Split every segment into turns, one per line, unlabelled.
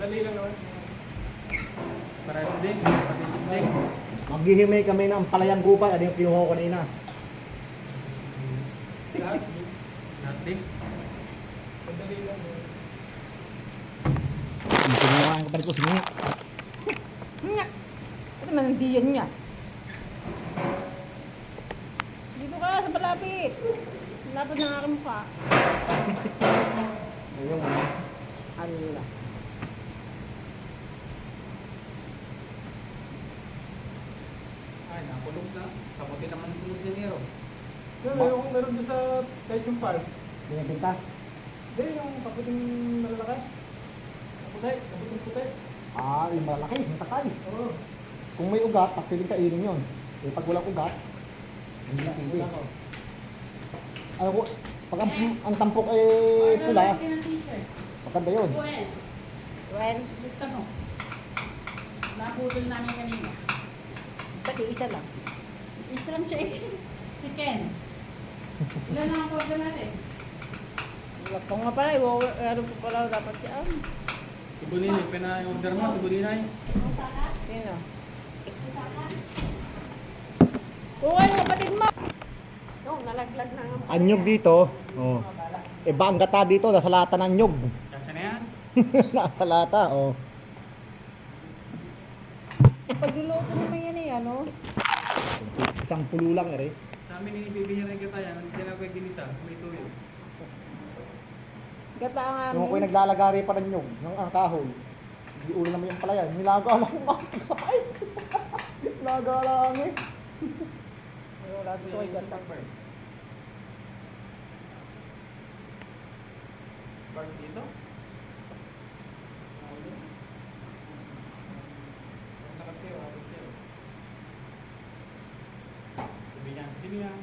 Madali lang naman. Parehas din. Pagiging din.
Maghihimay kami ng palayang gubat. Ano yung kinuha ko kanina?
Lahat. Lahat din. Madali lang.
Yung kinuha ang kapatid ko singi.
Nga. Ito man ang diyan niya. Dito ka sa palapit. Lapit ng aking mukha.
Ayun.
Ano nila?
Ay, nakulong na. Kamuti naman ang sunod niya nero.
Yung
meron doon sa Taichung Park.
Binibinta.
Hindi, yung kaputing malalaki. Kaputing puti.
Ah, yung malaki, yung takay.
Oo.
Kung may ugat, papiling kainin yun. Eh, pag walang ugat, hindi pili. Ano ko, pag ang tampok ay pula, maganda yun.
Well,
Gusto mo? Naputol namin kanina.
pati isa lang.
Isa lang siya eh. Si Ken. Ilan na ang order natin?
Wala pa nga pala. Ano pa pala dapat yan?
Si Buninay, pina-order mo si Buninay.
Sino? Kung ano kapatid mo? Yung nalaglag na nga.
Anyog dito, oh. Iba ang gata dito, nasa lata ng nyog.
Kasi na yan.
Nasa lata, oh.
Pagluluto naman yan eh, ano?
Isang pulo lang eh.
Sa amin, ibibigyan rin kita yan. Hindi na pwede ginisa. May tuyo.
Gata ang
Yung ako'y
amin.
naglalagari pa ng nyog, ng kahoy. Hindi ulo naman yung palayan. Nilaga lang ako, pagsapay. Nilaga lang eh.
Wala dito kay gata.
Park dito. Nakatayo, nakatayo. Sabihan, sabihan.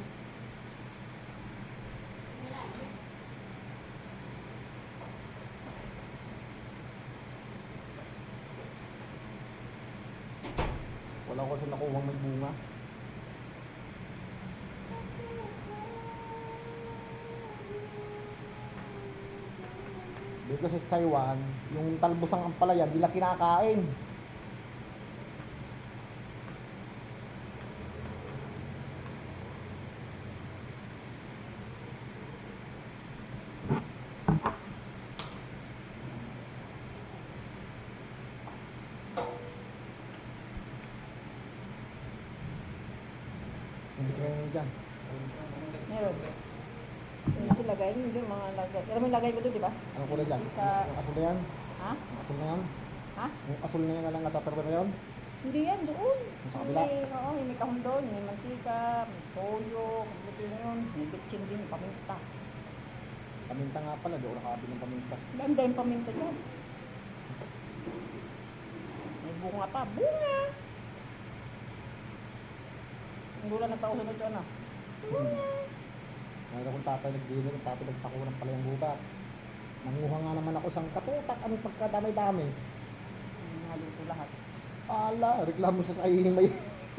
Wala ko sa nakuhang may bunga. Dito sa Taiwan, yung talbosang ampalaya, di lang kinakain. Hindi kaya dyan.
Meron. Yung silagay, hindi yung mga lagay. Alam mo yung lagay ko doon, di ba?
Ano kulay dyan?
Sa-
Yung asul na yan?
Ha?
Yung asul na yan?
Ha?
Yung asul na yan na lang nataperpe na yun?
Hindi yan, doon.
Sa kabila?
Oo, may kahon doon. May mantika, may toyo, kompleto na yun. May bitchin din, paminta.
Paminta nga pala, doon nakabili ng paminta.
Ganda yung paminta dyan. May bunga pa. Bunga! Ang gula na tao sunod dyan, ah.
Mayroon akong tatay nagdili, yung tatay nagpakulang pala yung gubat. Nanguha nga naman ako isang katutak, anong pagkadamay-dami.
Naluto lahat.
Ala, reklamo siya sa ihimay.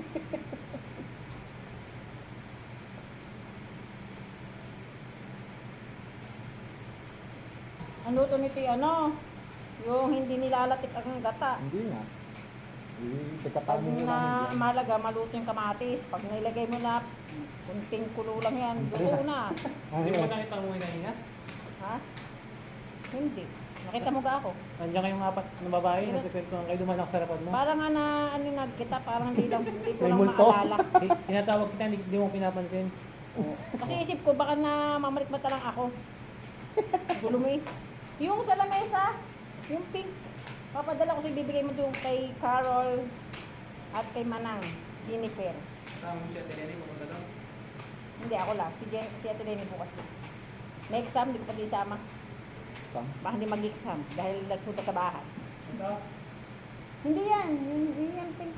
Ang luto nito yung ano, yung hindi nilalatik ang gata.
Hindi nga.
Pag
Pagkatamo nyo
na
namin dyan.
malaga, maluto yung kamatis. Pag nilagay mo na, kunting kulo lang yan, luto na.
Hindi mo nakita mo yung kanina?
Ha? Hindi. Nakita mo ga ako?
Nandiyan kayong apat na babae, nagkikwentuhan kayo dumanak sa harapan mo.
Parang nga na, ano nga kita, parang hindi ko
May
lang
multo.
maalala.
Tinatawag kita, hindi mo pinapansin.
Kasi isip ko, baka na mamalikmata lang ako. Gulo mo eh. Yung sa lamesa, yung pink, papadala ko sa ibibigay mo doon kay Carol at kay Manang, Jennifer.
Tama mo siya, Telene, pumunta doon.
Hindi, ako lang. Si Ate Lenny bukas din. May exam, hindi ko pa di sama.
Sam?
Baka hindi mag-exam dahil nagpunta sa bahay.
Ito?
Hindi yan. Hindi yan pink.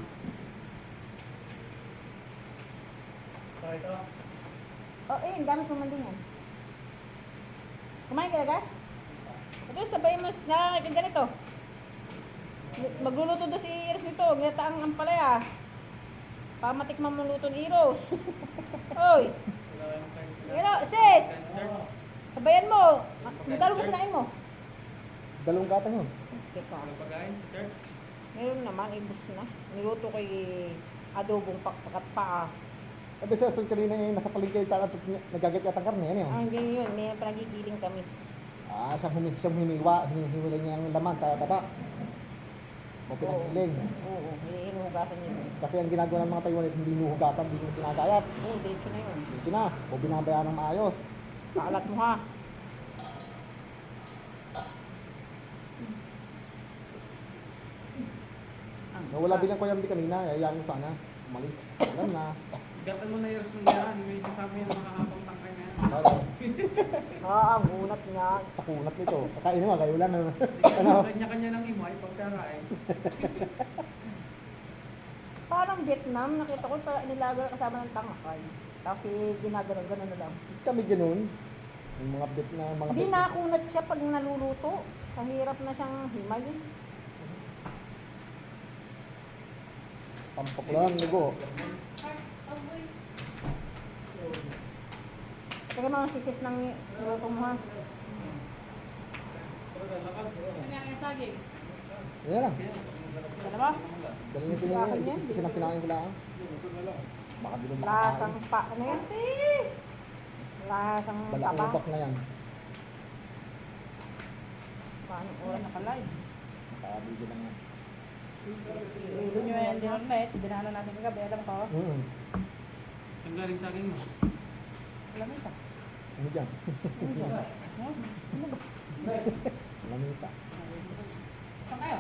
Ito?
Oh, eh, gamit mo man din yan. Kumain ka agad? Ito, sabay mo na ganito. Magluluto doon si Iros nito. Ginataang ampalaya. Pamatikman mo luto ni Iros. Oy! Pero, sis! Sabayan mo. Magkano gusto nain mo?
Dalawang gatang yun.
Teka.
Walang pagkain, sir.
Meron naman, ibus na. Niluto ko adobong pakpakat paa.
Sabi sa asun kanina eh, nasa palengke tayo at nagagat yata karne, ano yun?
Ang ganyan yun, may panagigiling kami.
Ah, siyang hinihiwalay niya ang laman sa taba. O pinagiling.
Oo, hinuhugasan yun.
Kasi ang ginagawa ng mga Taiwanese, hindi hinuhugasan, hindi nyo ginagayat.
Oo, diretso na yun.
Dito na, o binabayaan ng maayos.
Kaalat mo ha.
Nawala bilang ko yan di kanina, hayaan mo sana. Umalis. Alam na.
Gatan mo na yung yan. May kasama yung makakapang tangkay na yan.
Ang unat niya.
Sa kunat nito. Kakain mo, kayo lang. Ano?
Kanya-kanya ng imay pagkakain.
Parang Vietnam, nakita ko pa nilaga kasama ng tangakay. Tapos ginagano-gano na lang.
Kami ganun. Yung mga bit na mga
Hindi nakunat siya pag naluluto. Kahirap na siyang himay.
Pampok lang, ligo.
Teka mga sisis ng niluto mo ha.
Kanya yung saging.
Yan lang.
Dalawa?
Dali niyo pinili. Isa ng kinain ko lang. Baka di na
Lasang
makakain.
pa, ano yan? Lasang taba.
Balakubak na yan.
Paano oras na ka-live?
Nakabigyan lang yan.
Lulo nyo yan din ang net. Binahanan natin kagabi. Alam ko.
Ang galing sa akin mo.
Alam mo ito.
Ano dyan? Lamisa.
Saan kayo?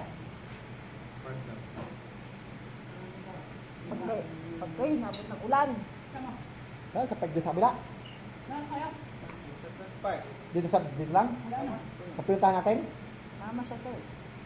Pagkay, nabot ng ulan.
Sama.
Kaya sa pagdi sa kabila.
Saan kayo?
Dito lang.
Wala na.
Kapintahan natin.
Tama siya to.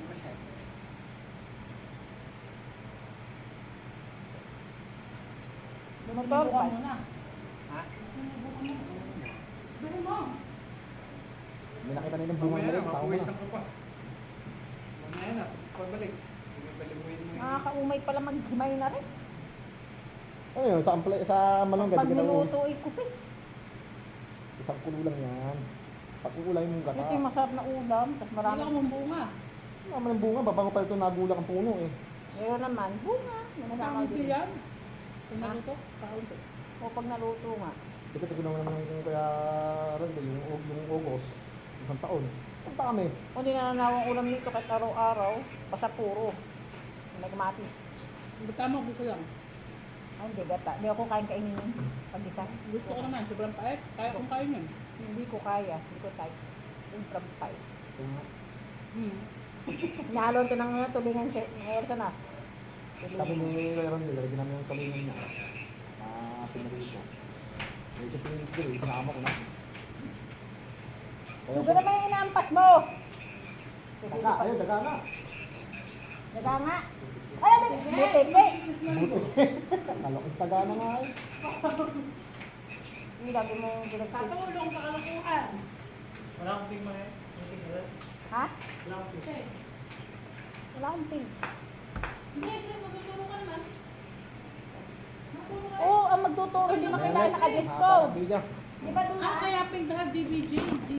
Motor
Sinubukan
ba?
mo na.
Ha?
Sinubukan mo. Dali mo.
May nakita nila ng bunga
Mamaya
mali.
na,
Tao mo na.
mapuwisan ko pa. Mamaya na, pagbalik. Balibuin mo yun.
Nakakaumay pala maghimay na rin.
Ano yun? Sa malunggay.
Pag
Di ka na
niluto ay kupis.
Isang kulo lang yan. Pag uulay mong gata.
Ito yung masarap na ulam. Tapos
Marami
marami.
akong bunga.
Naman ang bunga. Babango pa ito nagulak ang puno eh.
Meron naman, bunga. May nasama
Kaunti
din.
yan. Kung naluto, kaunti.
O pag naluto nga.
Ito naman yung kaya Randy, yung August. Isang taon. Ang dami.
Kung di nananawang ulam nito kahit araw-araw, basta puro. May kamatis.
Bata mo, gusto lang.
Ay, hindi gata. Hindi ako kain-kainin yun. Pag-isa.
Gusto ko naman, sobrang pait. Kaya kong kain yun.
Hindi ko kaya. Hindi ko type. Ultra pie. Nalon to ng tulingan siya. Ersa na.
Sabi ni Randy, lagyan namin yung kalingan niya. Pinarito. May siya pinili, sinama ko na. Kaya
Ito naman yung inaampas mo.
daga, ayun, daga nga.
Daga nga. Ay, buti.
Buti. Kalokit taga na nga eh.
Hindi lagi mo ginagpit.
Katulong sa kalukuhan.
Wala akong tingin mo eh.
Ha?
Wala akong tingin.
Wala akong pink.
Hindi, sis, magtuturo ka naman.
Oo, ang magtuturo. Hindi mo kailangan naka-dress
Haba
code.
ng video.
Di ba doon
Ah, kaya pink dahil DBJ.